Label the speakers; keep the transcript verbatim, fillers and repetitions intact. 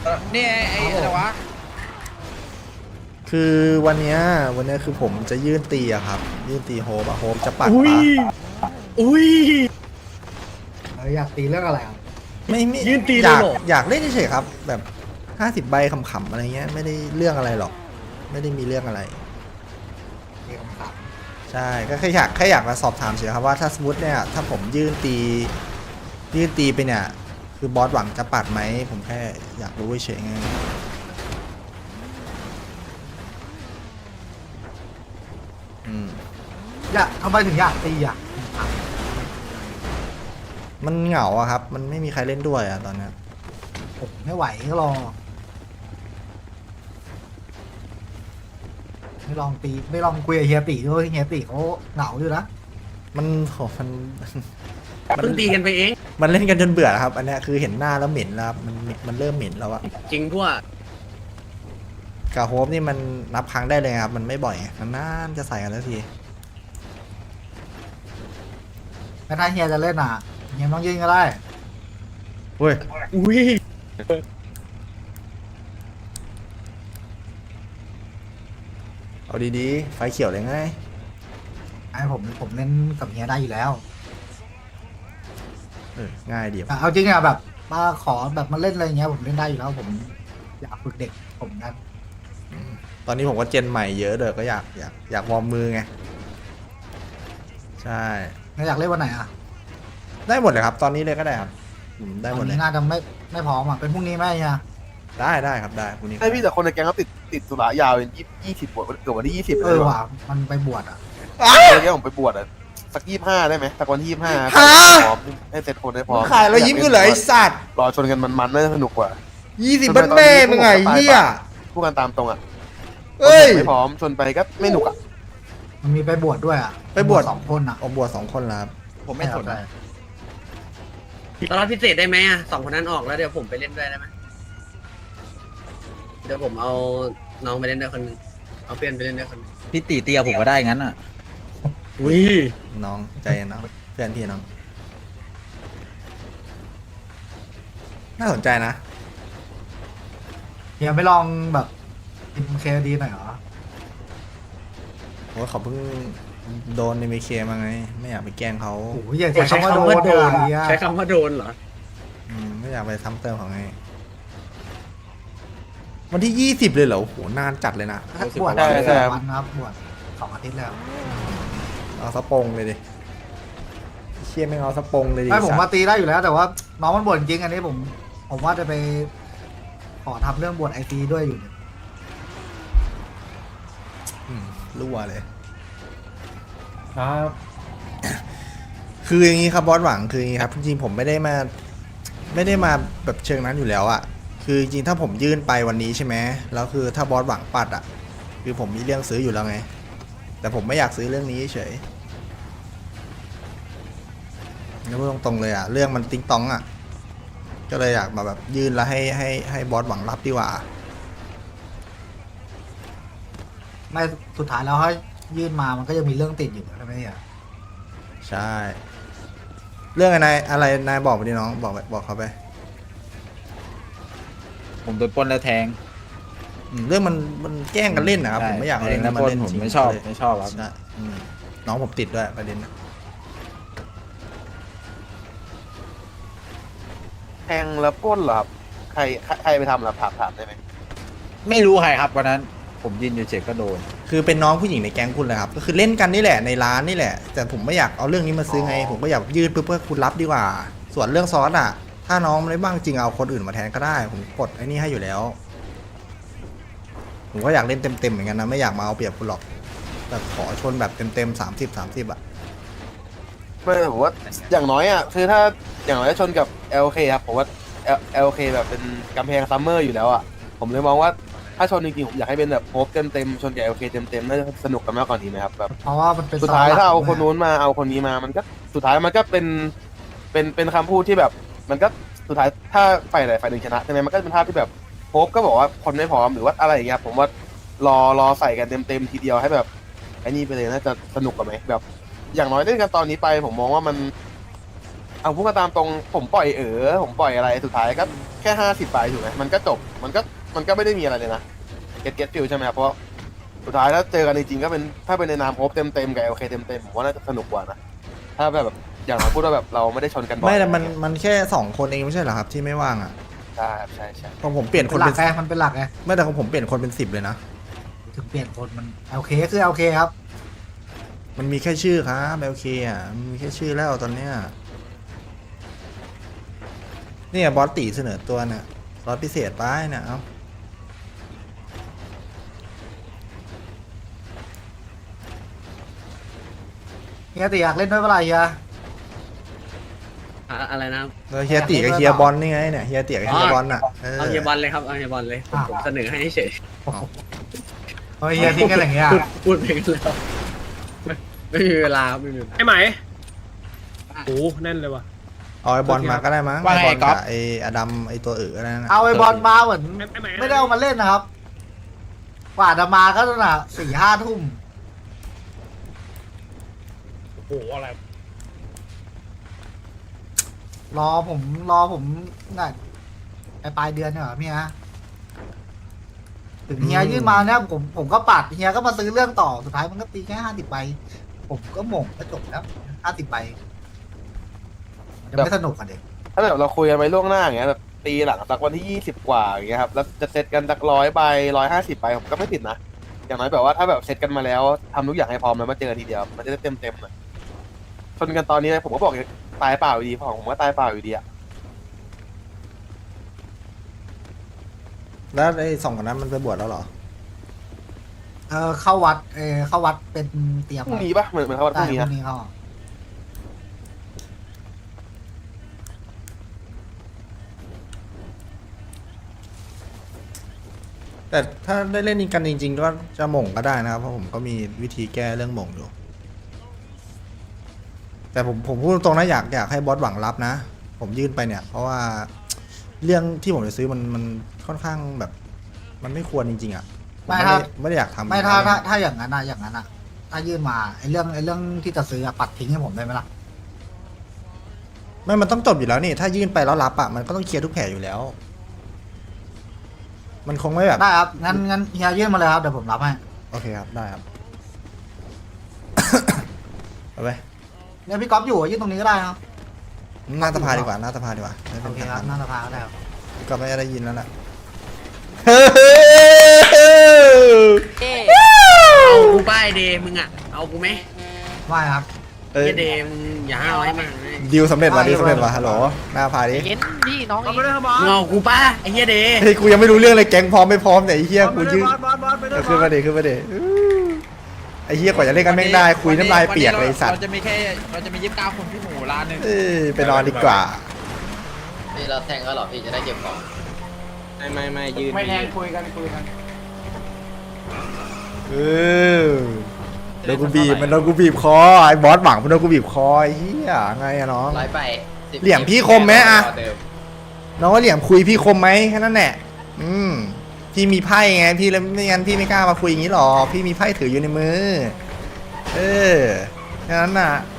Speaker 1: นี่ไอ้อะไรวะ
Speaker 2: คือวันเนี้ยวันเนี้ยคือผมจะยื่นตีอะครับยื่นตีโฮปอะโฮปจะปัด
Speaker 3: อุ้ย
Speaker 2: ปะ
Speaker 3: อุ้ย
Speaker 4: เอออยากตีเรื่องอะไรอ่ะ
Speaker 2: ไม่ไม่
Speaker 3: ยื่นตี
Speaker 2: อ
Speaker 3: เลย
Speaker 2: ยาก
Speaker 3: เหรอ
Speaker 2: อยากเล่นเฉยๆครับ แบบห้าสิบใบขำๆอะไรเงี้ยไม่ได้เรื่องอะไรหรอก ไม่ได้มีเรื่องอะไร
Speaker 4: มีคำถาม
Speaker 2: ใช่ก็แค่อยากแค่อยากมาสอบถามเฉยๆครับว่าถ้าสมมติเนี่ยถ้าผมยื่นตียื่นตีไปเนี่ยคือบอสหวังจะปัดไหมผมแค่อยากรู้เฉยๆไงอืม
Speaker 4: อยากทำไมถึงอยากตีอ่ะ
Speaker 2: มันเหงาอะครับ มันไม่มีใครเล่นด้วยอะตอนเนี้ย
Speaker 4: ผมไม่ไหวก็รอไม่ลองตีไม่ลองคุยกับเฮียตีด้วยเฮียตีเขาเหงาอยู่นะ
Speaker 2: มันโหมันมัน
Speaker 1: เพิ่งตีกันไปเอง
Speaker 2: มันเล่นกันจนเบื่อแล้วครับ อันเนี้ยคือเห็นหน้าแล้วเหม็นแล้วครับมันมันเริ่มเหม็นแล้วอะ
Speaker 1: จริงพวก
Speaker 2: กาโฮปนี่มันนับครั้งได้เลยครับ มันไม่บ่อยนานๆจะใส่กันสักที
Speaker 4: แต่ถ้าเฮียจะเล่นอ่ะเฮียต้องยื่นก็ได้
Speaker 2: เฮ้ย
Speaker 3: อุ้ย
Speaker 2: เอาดีๆไฟเขียวเลยไง
Speaker 4: ไอ้ผมผมเล่นกับเฮียได้อยู่แล้ว
Speaker 2: เออง่ายดี
Speaker 4: แต่เอาจริงอ่ะแบบมาขอแบบมาเล่นอะไรอย่างเงี้ยผมเล่นได้อยู่แล้วผมอยากฝึกเด็กผมกัน
Speaker 2: ตอนนี้ผมก็เจนใหม่เยอะเด้อก็อยากอยากอยากวอร์มมือไง ใช่
Speaker 4: แล้วอยากเล่นวันไหนอ่ะ
Speaker 2: ได้หมดเลยครับ ตอนนี้เลยก็ได้ครับอืมได้หม
Speaker 4: วั
Speaker 2: ด
Speaker 4: น
Speaker 2: เลย
Speaker 4: นี้น่าจะไม่ไม่พร้อมอ่ะเป็นพรุ่งนี้ไหมเฮีย
Speaker 2: ได้ได้ครับได้พรุ่งนี้
Speaker 5: ใช่พี่แต่คนในแก๊งเขาติดติดสุรายาวเป็นยี่ยี่สิบบวชเกือบวันที่ยี่สิบ
Speaker 4: เอ
Speaker 5: เลย
Speaker 4: อ
Speaker 5: ว่ะ
Speaker 4: ว่ะมันไปบวชอ่ะ
Speaker 5: ในแก๊งผมไปบวชอ่ะสักยี่ห้าได้ไหมสักวันที่ยี่ห้าพร้อมให้เสร็จคนได้พร้อม
Speaker 2: ขายแล้วยิ้มกันเหรอไอสัตว์
Speaker 5: รอชนกันมันๆน่าจะสนุกกว่า
Speaker 2: ยี่สิบบ้านแม่มึงไงเฮีย
Speaker 5: พูดกันตามตรงอ่ะ
Speaker 2: เอ้ย
Speaker 5: ไม่พร้อมชนไปก็ไม่หนุกอ่ะ
Speaker 4: มันมีไปบวชด้วยอ่ะ
Speaker 2: ไปบวช
Speaker 4: สองคนอ่ะ
Speaker 2: ออกบวชสองคนแล้วครับ
Speaker 3: ผมไม่สน
Speaker 4: ใช่
Speaker 1: ตอนรับพิเศษได้ไหมอ่ะสองคนนั้นออกแล้วเดี๋ยวผมไปเล่นด้วยได้ไหมเดี๋ยวผมเอาน้องไปเล่นด้วยคนหนึงเอาเพื่อนไปเล่นด้วยคนหนึง
Speaker 6: พี่ตีเตียผมก็ได้งั้นอ่ะ
Speaker 3: อุ้ย
Speaker 2: น้องใจเย็นน้องเพื่อนพี่น้อง น่าสนใจนะ
Speaker 4: เฮียไม่ลองแบบกินเคดีหน่อยเหรอ
Speaker 2: เพราะว่าเขาเพิ่งโดนในเมเคมาไง ไม่อยากไปแกล้งเขา
Speaker 4: โอ้โหอย่าใช้คำว่าโดนเลยอะเฮีย
Speaker 1: ใช้คำว่าโดนเหรอ
Speaker 2: อืมไม่อยากไปซ้ำเติมเขาไง วันที่ยี่สิบเลยเหรอโอ้โหนานจัดเลยนะ
Speaker 4: บวช
Speaker 5: ใช่ใช่
Speaker 4: วันครับบวชสองอาทิตย์แล้ว
Speaker 2: เอาสะปงเลยดิเชี่ยไม่งเอาสะปงเลยดิ
Speaker 4: ไม่ผม
Speaker 2: สั
Speaker 4: มา
Speaker 2: ตว์
Speaker 4: ตีได้อยู่แล้ว แต่ว่าน้องมันบวชจริงอันนี้ผม ผมว่าจะไปขอทำเรื่องบวชไอซีด้วยอยู่เนี่ย
Speaker 2: อืมรั่วเลย
Speaker 3: ครับ
Speaker 2: คืออย่างนี้ครับบอสหวังคืออย่างนี้ครับจริงๆผมไม่ได้มาไม่ได้มาแบบเชิงนั้นอยู่แล้วอะคือจริงๆถ้าผมยื่นไปวันนี้ใช่ไหมแล้วคือถ้าบอสหวังปัดอะคือผมมีเรื่องซื้ออยู่แล้วไง แต่ผมไม่อยากซื้อเรื่องนี้เฉยแล้วพูดตรงๆเลยอะเรื่องมันติ๊งตองอะก็เลยอยากมาแบบยื่นแล้วให้ให้ให้บอสหวังรับดีกว่า
Speaker 4: ไม่สุดท้ายแล้วถ้ายื่นมามันก็ยังมีเรื่องติดอยู่ใช่ไหมเฮีย
Speaker 2: ใช่ เรื่องอะไรอะไรนายบอกไปดิน้องบอกไปบอกเขาไป
Speaker 6: ผมโดนปล้นแล้วแทง
Speaker 2: อืมเรื่องมันมันแกล้งกันเล่นนะครับผมไม่อยากเอา
Speaker 6: แท
Speaker 2: เรื่อง ง
Speaker 6: แล้
Speaker 2: นี้
Speaker 6: ว
Speaker 2: มา
Speaker 6: ปล้น
Speaker 2: เล่น
Speaker 6: ผม
Speaker 2: จริง
Speaker 6: ไม่ชอบ
Speaker 2: เลย
Speaker 6: ไม่ชอบครับ
Speaker 2: ใช่อืมน้องผมติดด้วยประเด็นนะ
Speaker 5: แทงแล้วปล้นเหรอครับใครใครใครไปทำเหรอถามถามได้ไหม
Speaker 6: ไม่รู้ใครครับวันนั้น ผมยืนอยู่เฉยก็โดน
Speaker 2: คือเป็นน้องผู้หญิงในแก๊งคุณเลยครับก็คือเล่นกันนี่แหละในร้านนี่แหละ แต่ผมไม่อยากเอาเรื่องนี้มาซื้อไง ผมก็อยากยืดเพื่อเพื่อคุณรับดีกว่า ส่วนเรื่องซอสอ่ะ ถ้าน้องไม่ได้บ้างจริงเอาคนอื่นมาแทนก็ได้ ผมกดไอ้นี่ให้อยู่แล้ว ผมก็อยากเล่นเต็มๆเหมือนกันนะไม่อยากมาเอาเปรียบคุณหรอกแบบขอชนแบบเต็มๆสามสิบสามสิบอ่ะ
Speaker 5: ไม่ผมว่าอย่างน้อยอ่ะคือถ้าอย่างน้อยชนกับ แอล เค ครับผมว่า แอล เค แบบเป็นกำแพงซัมเมอร์อยู่แล้วอ่ะผมเลยมองว่าถ้าชนจริงๆผมอยากให้เป็นแบบโฮปเต็มๆชนกับ แอล เค เต็มๆน่าจะสนุกกันมากกว่านี้ไหมครับแบบ
Speaker 4: เพราะว่ามันเป็น
Speaker 5: สุดท้าย
Speaker 4: สลัก
Speaker 5: ถ้าเอา
Speaker 4: ะ
Speaker 5: คนนู้นมาเอาคนนี้มามันก็สุดท้ายมันก็เป็นเป็นเป็นคำพูดที่แบบ มันก็สุดท้ายถ้าฝ่ายไหนฝ่ายหนึ่งชนะใช่ไหมมันก็เป็นภาพที่แบบโฮปก็บอกว่าคนไม่พร้อมหรือว่าอะไรอย่างเงี้ยผมว่ารอรอใส่กันเต็มๆทีเดียวให้แบบไอ้นี่ไปเลยน่าจะสนุกกว่าไหมแบบ อย่างน้อยเล่นกันตอนนี้ไป ผมมองว่ามันเอาพูดกันตามตรงผมปล่อยเออผมปล่อยอะไรสุดท้ายก็แค่ห้าสิบใบถูกไหมมันก็จบมันก็มันก็ไม่ได้มีอะไรเลยนะเก็ตเก็ตฟิลใช่ไหมครับเพราะสุดท้ายถ้าเจอกันจริงๆก็เป็นถ้าเป็นในนามโฮปเต็มเต็มๆกับโอเคเต็มเต็มๆผมว่าน่าจะสนุกกว่านะถ้าแบบอย่างเราพูดว่าแบบเราไม่ได้ชนกันบ่อย
Speaker 2: ไม่แต่มันมันแค่สองคนเองไม่ใช่เหรอครับที่ไม่ว่างอ่ะ
Speaker 5: ใช่ครับใช่ใช่
Speaker 2: ของผมเปลี่ยนค
Speaker 4: เป็น นหลั
Speaker 2: เป็
Speaker 4: ก
Speaker 2: น
Speaker 4: ไงมันเป็นหลักไง
Speaker 2: ไม่แต่ของผมเปลี่ยนคนเป็นสิบเลยนะ
Speaker 4: ถึงเปลี่ยนคนมันโอเคคือโอเคครับ
Speaker 2: มันมีแค่ชื่อครับโอเคอ่ะมันมีแค่ชื่อแล้วตอนเนี้ยเนี่ยบอสตีเสนอตัวเนี่ยรถพิเศษไปเนี่ยเอา
Speaker 4: เฮียติอยากเล่นด้วยเปล่าเฮีย
Speaker 1: อะอะไรนะครับ
Speaker 2: แล้วเฮียตีกับเฮียบอลนี่ไงเนี่ยเฮียตีกับเฮียบอลอ่ะเออ
Speaker 1: เอาเฮียบอลเลยครับเอาเฮียบอลเลยผมผมเสนอให้เฉย
Speaker 4: เฮ้ยเฮียทิ้งกันอย่างเงี้ย
Speaker 1: พูดพูดไปกันแล้วไม่ไม่มีเวลาครับไม่มีเวลา
Speaker 3: ไอ้ไหมโอ้แน่นเลยว่ะ
Speaker 2: เอาไอ้บอลมาก็ได้มั้ง
Speaker 6: ว่า
Speaker 2: ไอ้
Speaker 6: ไง
Speaker 2: บอล
Speaker 6: ก๊อ
Speaker 2: กั
Speaker 6: ฟ
Speaker 2: บไอ้อดัมไอ้ตัวเอ๋อนั่นนะ
Speaker 4: เอาไอ้บอลมาเหมือน
Speaker 3: ไอ้ไหม
Speaker 4: ไม่ได้เอามาเล่นนะครับกว่าจะมาก็ตั้งแต่สี่ห้าทุ่ม
Speaker 3: โอ้โหอะไร
Speaker 4: รอผมรอผมน่ะไปปลายเดือนเนี่ยเหรอพี่ฮะถึงเฮียยื่นมาเนี่ยผมผมก็ปัดเฮียก็มาซื้อเรื่องต่อสุดท้ายมันก็ตีแค่ห้าสิบใบผมก็หม่งก็จบแล้วห้าสิบใบมันจะไม่สนุกกันเด็ก
Speaker 5: ถ้าแบบเราคุยกันไว้ล่วงหน้าอย่างเงี้ยแบบตีหลังสักวันที่ยี่สิบกว่าอย่างเงี้ยครับแล้วจะเซตกันสักร้อยใบร้อยห้าสิบใบผมก็ไม่ติดนะอย่างน้อยแบบว่าถ้าแบบเซตกันมาแล้วทำทุกอย่างให้พร้อมแล้วมาเจอกันทีเดียวมันจะได้เต็มเต็มๆหน่อยชนกันตอนนี้ผมก็บอกเลยตายเปล่าอยู่ดีของผมก็ตายเปล่าอยู่ดีอะ
Speaker 2: แล้วไอ้สองคนนั้นมันไปบวชแล้วเหรอ
Speaker 4: เออเข้าวัดเออเข้าวัดเป็นเตรียม
Speaker 5: พรุ่งนี้ปะเหมือนเหมือนเขาวันพ
Speaker 4: ได้
Speaker 5: รุ่งนี้
Speaker 4: พ
Speaker 5: นะ
Speaker 4: รุ่งนี้เข้า
Speaker 2: แต่ถ้าได้เล่นกันจริงๆก็จะหม่งก็ได้นะครับเพราะผมก็มีวิธีแก้เรื่องหม่งอยู่ แต่ผมผมพูดตรงๆนะอยากอยากให้บอสหวังรับนะ ผมยื่นไปเนี่ย เพราะว่าเรื่องที่ผมจะซื้อมันมันค่อนข้างแบบ มันไม่ควรจริงๆอ่ะผมไม่ได้ไม่ได้อยากทำ
Speaker 4: ไม่ถ้าถ้าถ้าอย่างนั้นนะอย่างนั้นอะถ้ายื่นมาไอ้เรื่องไอ้เรื่องที่จะซื้ออะปัดทิ้งให้ผมได้ไหมล่ะ
Speaker 2: ไม่มันต้องจบอยู่แล้วนี่ ถ้ายื่นไปแล้วรับอ่ะมันก็ต้องเคลียร์ทุกแผลอยู่แล้ว มันคงไม่แบบ
Speaker 4: ได้ครับงั้นงั้นเฮียยื่นมาเลยครับเดี๋ยวผมรับให้
Speaker 2: โอเคครับได้ครับ เอาไป
Speaker 4: เนี่ยพี่ก๊อฟอยู่อะยื่นตรงนี้ก็ได้ครับ
Speaker 2: หน้าสภาดีกว่าหน้าสภาดีกว่าไม่
Speaker 4: โอ
Speaker 2: เป็น
Speaker 4: เค
Speaker 2: ทาง
Speaker 4: ครับ
Speaker 2: การ
Speaker 4: หน้าสภาก็ได้ครับ
Speaker 2: ก็ไม่ได้ยินแล้วแหละ
Speaker 1: เอากูป้ายเดย์มึงอ่ะเอากูไหม
Speaker 4: ไม่ครับ
Speaker 2: เอ้ย
Speaker 1: เฮียเดย์มึงอย่าห้าวให้มันเลย
Speaker 2: ดิวสำเร็จว่ะดิวสำเร็จว่ะฮัลโหลหน้าพาดิ
Speaker 6: เย็นพี่น้อง
Speaker 3: เอาไปเลยครับบอส
Speaker 1: มึงเอากูป้าไอ้เฮียเดย์
Speaker 2: เฮ้ยกูยังไม่รู้เรื่องเลยแก๊งพร้อมไม่พร้อมแต่ยไอ้เฮีย
Speaker 3: บอส
Speaker 2: กู
Speaker 3: ไปเลย
Speaker 2: ยืน
Speaker 3: บอสบอสบอสไปเลย
Speaker 2: เออบ ขึ้น
Speaker 3: อ
Speaker 2: มา
Speaker 3: ส
Speaker 2: ดิขึ้นมาดิอื้อไอ้เฮียกว่าจะเล่นกันแม่งได้คุยน้ำลายเปียกเลยไอ้สัตว์
Speaker 6: เราจะมีแค่เราจะมียี่สิบเก้าคนพี่หมูร้านหนึ่ง
Speaker 2: เอ้ยไปนอนดีกว่า
Speaker 7: นี่เราแทงก็หรอพี่จะได้เก็บของ
Speaker 8: ไม่ไม่ไม่ยืน
Speaker 6: ไม่แทงคุยกันคุยกัน
Speaker 2: เออโดนกูบีบมันโดนกูบีบคอไอ้บอสหวังมันโดนกูบีบคอไอ้เฮียไงอะน้อง
Speaker 7: ร้อยไปสิบ
Speaker 2: เหลี่ยมพี่คมไหมอะ
Speaker 7: เดิม
Speaker 2: น้องว่าเหลี่ยมคุยพี่คมไหมแค่นั้นแหละอืมพี่มีไพ่ไงพี่เลยไม่งั้นพี่ไม่กล้ามาคุยอย่างนี้หรอกพี่มีไพ่ถืออยู่ในมือ เออแค่นั้นน่ะ